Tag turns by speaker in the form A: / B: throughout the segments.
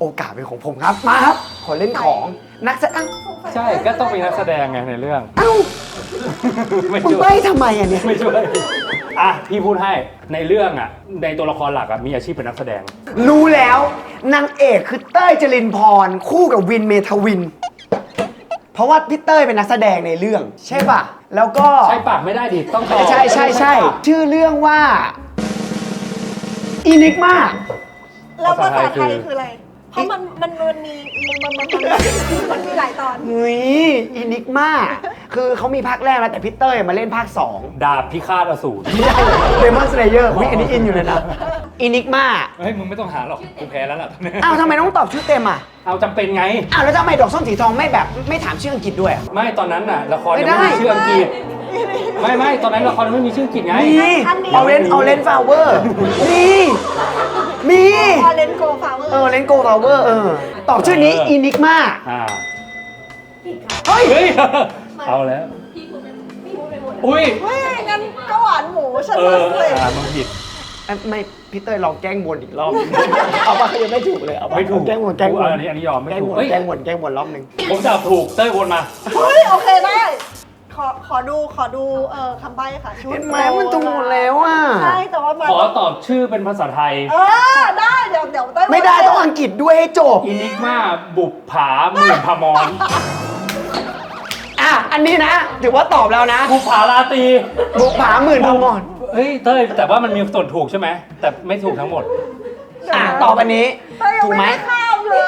A: โอกาสเป็นของผมครับมาครับขอเล่นของนักแสดง
B: ใช่ก็ต้องมีนักแสดงไงในเรื่อง
A: เอ้า
B: ไม่
A: มึง
B: ช่ว
A: ใบ้
B: ย
A: ทำไมอ่ะเนี่ย
B: ไม่ช่วยอ่ะพี่พูดให้ในเรื่องอ่ะในตัวละครหลักอ่ะมีอาชีพเป็นนักแสดง
A: รู้แล้วนางเอกคือเต้ยจรินพรคู่กับวินเมทวิน เพราะว่าพี่เต้ยเป็นนักแสดงในเรื่อง ใช่ป่ะ แล้วก็
B: ใช่ปากไม่ได้ดิต้องตอบ
A: ใช่ใช่ใช่ชื่อเรื่องว่าอินิกมา
C: แล้วภาษาไทยคืออะไร เพราะมันมีหลายตอน
A: เฮ้ยอินิกมาคือเขามีภาคแรกแล้วแต่พี่เต้ยมาเล่นภาค2
B: ดาบพิฆาตอสูร
A: ไม่ใช่เดมอนสเลเยอร์อันนี้อินอยู่เลยนะอินิกมา
B: เฮ้ยมึงไม่ต้องหาหรอกกูแพ้แล้วล่ะตอนนี้
A: อ้าวทำไมต้องตอบชื่อเต็มอ่ะ
B: เอาจำเป็นไง
A: อ้าวแล้วทำไมดอกส้มสีทองไม่แบบไม่ถามชื่ออังกฤษด้วยอะ
B: ไม่ตอนนั้นน่ะละคร
A: ไม่
B: ยัง
A: ได้
B: ไม่มีชื่ออังกฤษไม่ตอนนั้นละครยังไม่มีชื่ออังกฤษไง
A: มีเอาเลนฟลาวเวอร์มี
C: ออเรนโกฟาวเวอร์
A: เลนโกฟลาวเวอร์ตอบชื่อนี้อินิกมา
B: อ่า
A: เฮ้ย
B: เฮ้ยเอาแล้วอุ้ย
C: เฮ้ยงั้นก็หวานหมูฉัน
B: เอ
C: เล
B: อย มึงผิด
A: ไม่พี่เต้ยลองแกล้งวนอีกรอบ เอาปะยังไม่ถูกเลยเอาปะ
B: ไม่ถูก
A: แกล้งวน
B: อันนี้ยอมไม่
A: แกล้ง
B: ถู
A: ว
B: ก
A: น
B: เฮ้ย
A: แกล้งวนรอบหนึ่ง
B: ผมจับถูกเต้ยวนมา
C: เฮ้ยโอเคได้ ขอดูคำใบ้ค่ะชุด
A: เห็นไหมมันถูกหมดแล้วอ่ะ
C: ใช่แต่ว่ามัน
B: ขอตอบชื่อเป็นภาษาไทย
C: ได้เดี๋ยวเต้ย
A: ไม่ได้ต้องอังกฤษด้วยให้จบ
B: อินิกมาบุปผาหมื่นพมร
A: อันนี้นะถือว่าตอบแล้วนะ
B: บุปผาราตรี
A: บุกผาหมื่นพมร
B: เฮ้ยเต้ยแต่ว่ามันมีส่วนถูกใช่ไหมแต่ไม่ถูกทั้งหมด
A: ตอบอันนี้
C: เต้ยยัง
A: ถูกไหม
C: ไม่ได้ข้ามเลย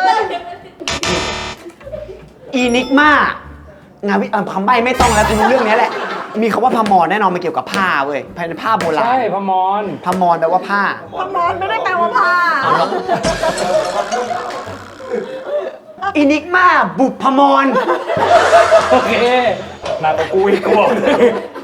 A: อีนิกมางานคำใบ้ไม่ต้องแล้วคุณรู้เรื่องนี้แหละ มีคำว่าพมรแน่นอนมันเกี่ยวกับผ้าเว้ยภายในผ้าโบราณ
B: ใช่พมร
A: พมรแปลว่าผ้า
C: พมอนไม่ได้แปลว่าผ้า
A: อีนิกมาบุพพมร
B: โอเคหนักกว่ากูอีกกว่า